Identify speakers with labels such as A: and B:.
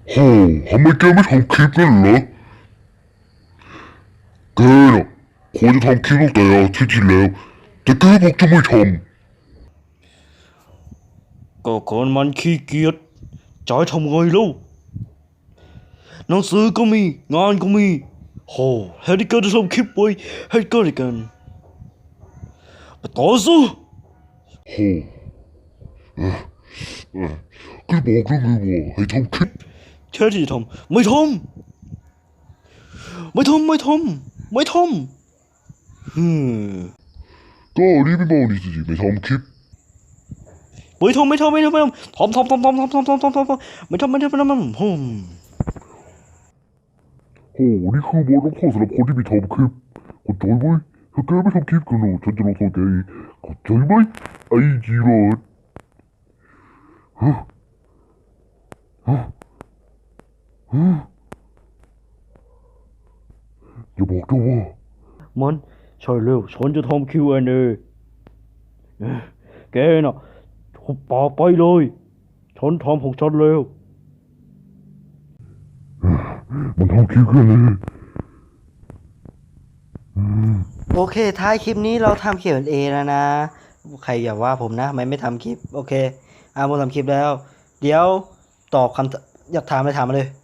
A: โหทำไมแกไม่ทำคลิปนั่นเหรอแกน่ะควรจะทำคลิปตั้งแต่อาทิตย์ที่แล้วแต่แกบอกจะไม่ท
B: ก็คนมันขี้เกียจจะให้ทำไงแล้วหนังสือก็มีงานก็มีโหแทนที่แกจะทำคลิปไว้ให้กันและกันไปต่อสู้
A: ำโหก็บอกแล้วไงว่าให้ทำคลิป
B: แค่ที่จะทำไม่ทำฮึม
A: ก็รีบไปบอกนี่สิไม่ทำคลิป
B: ไม่ทำไม่ทำไม่ทำไม่ทำฮึม
A: โหนี่คือบทลงโทษสำหรับคนที่ไม่ทำคลิปเข้าใจไหมถ้าแกไม่ทำคลิปกันหนูฉันจะลงโทษแกเองเข้าใจไหมไอ้จีโรดฮะฮะฮะอย่าบอกนะว่า
B: มันใช่เร็วฉันจะทำ Q&A แกน่ะหุบปากไปเลยฉันทำของฉันแล้ว
A: มันทำคลิปกันเลย
C: โอเคท้ายคลิปนี้เราทำ Q&A แล้วนะใครอย่าว่าผมนะไม่ทำคลิปโอเคอาโมทำคลิปแล้วเดี๋ยวตอบคำอยากถามอะไรถามมาเลย